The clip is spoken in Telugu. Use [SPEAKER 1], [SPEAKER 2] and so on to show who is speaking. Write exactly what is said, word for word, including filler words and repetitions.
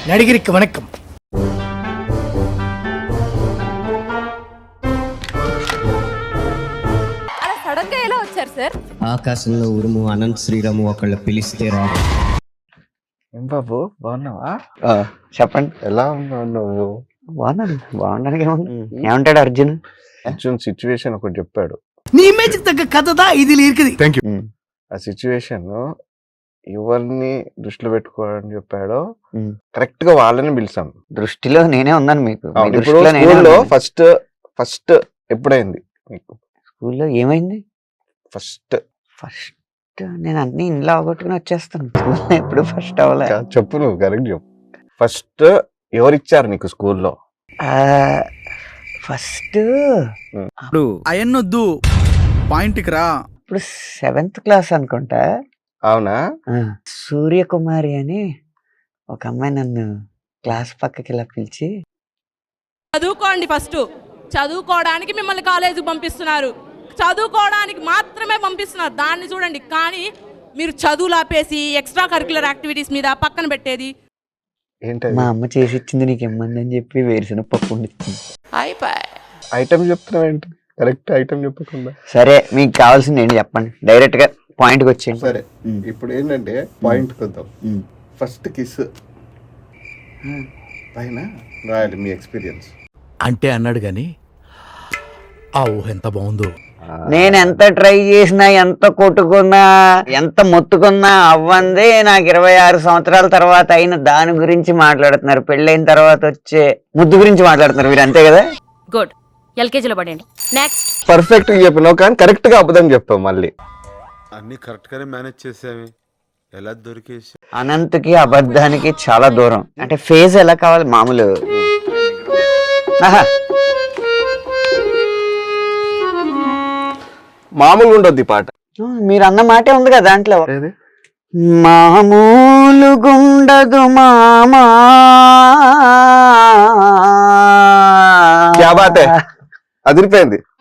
[SPEAKER 1] நடிகருக்கு வணக்கம்.
[SPEAKER 2] అలా సడన్ గా ఎలా వచ్చారు సార్?
[SPEAKER 3] ఆకాశంలో ఉరుము అనంత్ శ్రీరాము ఒకళ్ళ పిలిస్తే రాడు.
[SPEAKER 4] ఏం బాబు బాగున్నావా?
[SPEAKER 5] చెప్పండి.
[SPEAKER 4] ఎలా ఉన్నావు నువ్వు?
[SPEAKER 5] బాగున్నాను. బాగున్నాను. ఏమంటాడు అర్జున్?
[SPEAKER 4] అర్జున్ సిచ్యువేషన్ ఒకటి చెప్పాడు.
[SPEAKER 1] నీ ఇమేజ్ తగ్గ కథ దా ఇది இருக்குது.
[SPEAKER 4] ఆ సిచ్యువేషన్ ఎవరిని దృష్టిలో పెట్టుకోవాలని చెప్పాడో
[SPEAKER 5] మ్మ్.
[SPEAKER 4] కరెక్ట్ గా వాళ్ళని పిలిచాం.
[SPEAKER 5] దృష్టిలో నేనే ఉన్నాను మీకు. మీ
[SPEAKER 4] ఇప్పుడు
[SPEAKER 5] దృష్టిలో నేనే
[SPEAKER 4] స్కూల్లో
[SPEAKER 5] ఉన్నాను.
[SPEAKER 4] ఫస్ట్ ఫస్ట్ ఎప్పుడైంది మీకు?
[SPEAKER 5] స్కూల్లో ఏమైంది?
[SPEAKER 4] ఫస్ట్
[SPEAKER 5] ఫస్ట్ నేను అన్ని ఇంట్లో అవగొట్టుకుని వచ్చేస్తాను. స్కూల్లో ఎప్పుడు ఫస్ట్ అవ్వలే.
[SPEAKER 4] చెప్పు, నువ్వు కరెక్ట్ చెప్పు. ఫస్ట్ ఎవరిచ్చారు నీకు స్కూల్లో?
[SPEAKER 5] ఫస్ట్
[SPEAKER 6] ఇప్పుడు అయన్నొద్దు పాయింట్కి రా.
[SPEAKER 5] ఇప్పుడు సెవెంత్ క్లాస్ అనుకుంటా.
[SPEAKER 4] అవునా?
[SPEAKER 5] ఆ, సూర్యకుమారి అని ఒక అమ్మాయి నన్ను క్లాస్ పక్కకి ఇలా పిలిచి,
[SPEAKER 2] చదువుకోండి, ఫస్ట్ చదువుకోవడానికి మిమ్మల్ని కాలేజీకి పంపిస్తున్నారు, చదువుకోవడానికి మాత్రమే పంపిస్తున్నారు, దాన్ని చూడండి. కానీ మీరు చదువులు ఆపేసి ఎక్స్ట్రా కరిక్యులర్ యాక్టివిటీస్ మీద పక్కన పెట్టేది.
[SPEAKER 4] ఏంటది?
[SPEAKER 5] మా అమ్మ చేసి ఇచ్చింది నీకు ఇమ్మంది అని చెప్పి వేరుసిన పప్పు వండిచ్చింది.
[SPEAKER 4] ఐటమ్ చెప్తున్నావు ఏంటి? కరెక్ట్ ఐటమ్ చెప్పకుండా.
[SPEAKER 5] సరే, మీకు కావాల్సింది ఏంటి చెప్పండి, డైరెక్ట్ గా పాయింట్కి వచ్చేయండి.
[SPEAKER 4] సరే, ఇప్పుడు ఏంటంటే పాయింట్ కొద్దాం. ఫస్ట్ కిస్ పైన రాయాలి మీ ఎక్స్పీరియన్స్.
[SPEAKER 1] అంటే అన్నాడు గాని ఆ ఊహ ఎంత బాగుందో.
[SPEAKER 5] నేను ఎంత ట్రై చేసినా, ఎంత కొట్టుకున్నా, ఎంత మొత్తుకున్నా అవ్వందే. నాకు ఇరవై ఆరు సంవత్సరాల తర్వాత అయిన దాని గురించి మాట్లాడుతున్నారు. పెళ్ళైన తర్వాత వచ్చే ముద్దు గురించి మాట్లాడుతున్నారు మీరు, అంతే కదా?
[SPEAKER 2] గుడ్, ఎల్కేజీలో పడండి. నెక్స్ట్.
[SPEAKER 4] పర్ఫెక్ట్ గా చెప్పినావు కానీ కరెక్ట్ గా అబద్ధం చెప్పావు. మళ్ళీ
[SPEAKER 7] అన్ని కరెక్ట్ గానే మేనేజ్ చేసావి. ఎలా దొరికేసి?
[SPEAKER 5] అనంతకి అబద్ధానికి చాలా దూరం. అంటే ఫేజ్ ఎలా కావాలి? మామూలు ఆహా.
[SPEAKER 4] మామూలుగా ఉండొద్ది పాట.
[SPEAKER 5] మీరు అన్న మాటే ఉంది కదా దాంట్లో. మామూలు గుండదు మామా.
[SPEAKER 4] క్యా బాత్ హై? అదిరిపోయింది.